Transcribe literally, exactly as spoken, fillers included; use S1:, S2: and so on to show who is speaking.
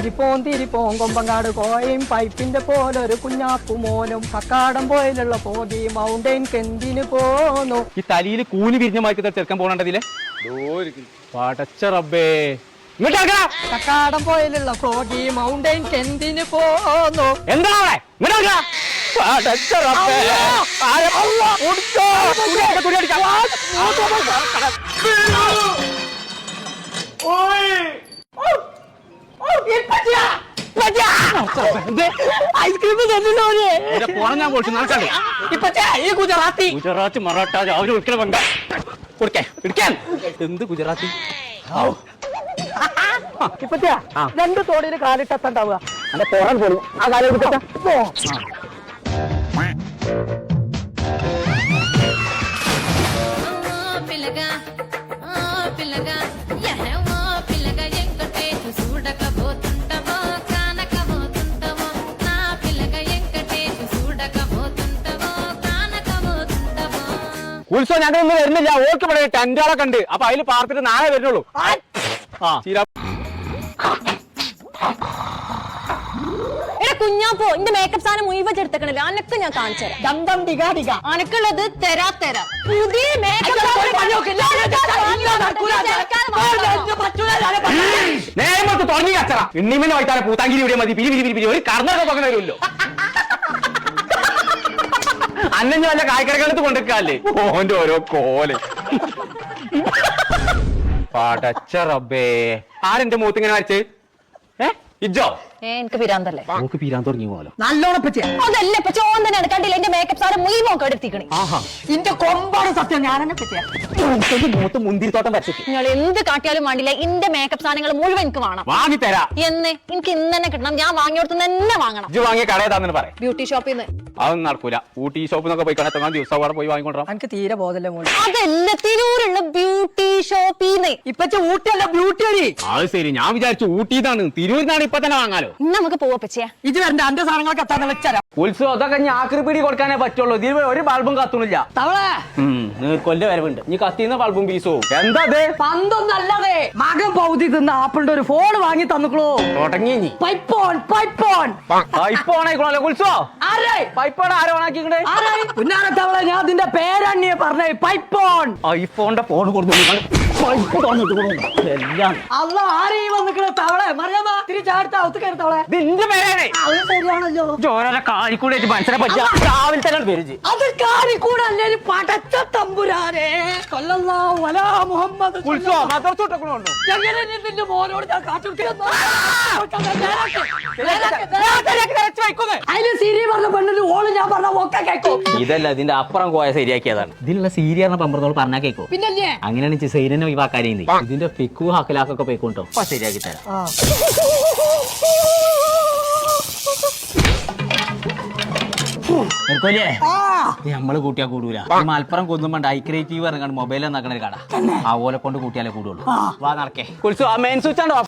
S1: തിരിപ്പോൻ തിരിപ്പോൻ കൊമ്പങ്ങാട് കോയും പൈപ്പിന്റെ പോലൊരു കുഞ്ഞാപ്പു മോനും കക്കാടം പോയിലുള്ള പോതി മൗണ്ടൈൻ കെന്തിന് പോന്നു.
S2: ഈ തലയിൽ കൂലി വിരിഞ്ഞ മാറ്റി ചെറുക്കാൻ പോകണ്ടതില്ലേ പടച്ച റബ്ബേ.
S1: കക്കാടം പോയിലുള്ള പോതി മൗണ്ടൈൻ കെന്തിന് പോന്നു.
S2: എന്താ
S1: ഐസ്ക്രീം
S2: ഞാൻ കൊടുത്തു നടക്കണ്ടേ
S1: ഈ ഗുജറാത്തി
S2: ഗുജറാത്ത് മറാഠ അവര് ഒരിക്കലും വേണ്ട കൊടുക്കേ പിടിക്കാൻ. എന്ത് ഗുജറാത്തി
S1: ഇപ്പച്ചാ രണ്ട് തോടിന് കാലിട്ടെത്താണ്ടാവുക
S2: എന്റെ പോറാൻ പോലും ആ കാലം എടുത്തിട്ട് ഉത്സവം ഞങ്ങളൊന്നും വരുന്നില്ല. ഓർക്ക് ഇവിടെ ടെന്റുകളൊക്കെ ഉണ്ട്. അപ്പൊ അതിൽ പാർത്തിട്ട് നാളെ വരുന്നുള്ളൂ.
S3: കുഞ്ഞാപ്പോ എന്റെ മേക്കപ്പ് സാധനം മുഴുവൻ എടുത്തക്കണില്ല. അനക്ക് ഞാൻ കാണിച്ചുതരാം. അനക്കുള്ളത് തരാ തരാ പുതിയ
S2: നേരത്തെ തുടങ്ങി കച്ചറ ഇണ്ണിമനെ വൈത്താലെ പൂത്താങ്കിരി ഇവിടെ മതി. പിരി പിരി പിരി പിരി ഒരു കർണൊക്കെ പകരം വരുമല്ലോ. അന്നെ വല്ല കായ്ക്കടക്കാലത്ത് കൊണ്ടിരിക്കാല്ലേ ഓന്റെ ഓരോ കോല്. പടച്ച റബ്ബേ. ആരെന്റെ മൂത്ത് ഇങ്ങനെ വരച്ച്? ഏ ഇജ്ജോ?
S3: എനിക്ക് പിരാന്തല്ലേ?
S2: നമുക്ക് പിരാൻ തുടങ്ങി പോലോ.
S1: നല്ലോണം പറ്റിയ
S3: അതല്ല ഇപ്പൊ ചോൻ തന്നെയാണ് കണ്ടില്ല. എന്റെ മേക്കപ്പ് സാധനം മുഴുവൻ എടുത്തിക്കണേ.
S1: ഇന്റെ കൊമ്പാണ് സത്യം. ഞാനെന്നെ പറ്റിയ
S2: മൂത്ത് മുന്തിരിത്തോട്ടം വരച്ചിട്ട്
S3: നിങ്ങൾ എന്ത് കാട്ടിയാലും വേണ്ടില്ല. എന്റെ മേക്കപ്പ് സാധനങ്ങൾ മുഴുവൻ എനിക്ക് വേണം.
S2: വാങ്ങിത്തരാ
S3: എന്ന് എനിക്ക് ഇന്ന് തന്നെ കിട്ടണം. ഞാൻ വാങ്ങിയോടത്ത് തന്നെ വാങ്ങണം.
S2: ഇജ്ജ് വാങ്ങിയ കടയതാന്ന് പറയാം.
S3: ബ്യൂട്ടി ഷോപ്പിൽ നിന്ന്
S2: അതൊന്നും നടക്കൂല. ഊട്ടി ഷോപ്പിൽ നിന്നൊക്കെ പോയി കാണാൻ ദിവസം അവിടെ പോയി വാങ്ങിക്കൊണ്ടാ.
S1: എനിക്ക് തീരെ ബോധല്ലേ മോളെ.
S3: അതല്ല തിരൂരുള്ള ബ്യൂട്ടി ഷോപ്പിന്ന്.
S1: ഇപ്പച്ച ഊട്ടിയല്ല ബ്യൂട്ടി അടി.
S2: അത് ശരി. ഞാൻ വിചാരിച്ചു ഊട്ടിന്നാണ്. തിരൂരിന്നാണ് ഇപ്പൊ തന്നെ വാങ്ങാലോ.
S3: നമുക്ക് പോവാ പച്ചയാ.
S1: ഇത് വരണ്ട അന്റെ സാധനങ്ങളൊക്കെ എത്താൻ വെച്ചാരാ.
S2: ഉത്സവം അതൊക്കെ ഞാൻ ആക്രിപ്പിടി കൊടുക്കാനേ പറ്റുള്ളൂ. ഇതിൽ ഒരു ബൾബും കത്തുന്നില്ല.
S1: തവളെ
S2: കൊല്ല വരവുണ്ട്. ഇനി കത്തിന്ന ബൾബും പീസും എന്താ
S1: പന്തൊന്നല്ലേ മകൻ പൗതി തിന്ന ആപ്പിളിന്റെ ഒരു ഫോൺ വാങ്ങി തന്നുക്കളൂ.
S2: തുടങ്ങി
S1: പൈപ്പോൺ പൈപ്പോൺ
S2: പൈപ്പോണായിക്കോളല്ലോ. ഉത്സവം പൈപ്പോൺ ആരോ ഓണാക്കിക്കണേ.
S1: പുന്നാര തവളെ ഞാൻ അതിന്റെ പേരണ്ണിയെ പറഞ്ഞേ. പൈപ്പോൺ
S2: ഐഫോണിന്റെ ഫോൺ കൊടുത്തു എല്ലാം
S1: അല്ല ആരീ വന്നിക്കണ തവളെ മറിയാമ തിരിച്ചടുത്ത അവത്ത് കയറി തവളെ.
S2: ഇതിന്റെ പേരാണ്.
S1: അത് ശരിയാണല്ലോ.
S2: ചോരനെ കാലിക്കൂടെ മനുഷ്യനെ പറ്റിയ രാവിലെ തന്നെ പേര്.
S1: അത് കാലിക്കൂടെ അല്ലേ പടച്ച തമ്പുരാനെ കൊല്ലല്ലാഹു അലാ മുഹമ്മദ്.
S2: ഉത്സവം മദർസൂട്ടൊക്കെ
S1: എങ്ങനെ നിന്റെ മോനോട് ഞാൻ കാട്ടുകൊടുക്കുന്നു. അതിന് സിരി പറഞ്ഞ പെണ്ണിന് ഓള് ഞാൻ പറഞ്ഞ ഒക്കെ കേൾക്കും.
S2: ഇതല്ല ഇതിന്റെ അപ്പുറം കോയ ശരിയാക്കിയതാണ്. ഇതിനുള്ള സീരിയറിനെ പമ്പറത്തോട് പറഞ്ഞാൽ കേൾക്കും.
S1: പിന്നല്ലേ
S2: അങ്ങനെയാണ് സൈരനെ ഒഴിവാക്കാനേ. ഇതിന്റെ ഫിക്കു ഹക്കലാക്കൊക്കെ പോയിക്കോട്ടോ. അപ്പൊ ശരിയാക്കി തരാം. നമ്മള് കൂട്ടിയാ കൂടൂല. മലപ്പുറം കൊന്നുമ്പണ്ട് ഐക്രിയേറ്റീവ് ഇറങ്ങാണ്ട് മൊബൈൽ എന്നാക്കണ ഒരു കട. ആ ഓലെ കൊണ്ട് കൂട്ടിയാലേ കൂടുള്ളൂ. വാ നടക്കേ. കുറിച്ച് ആ മെയിൻ സ്വിച്ച് ആണോ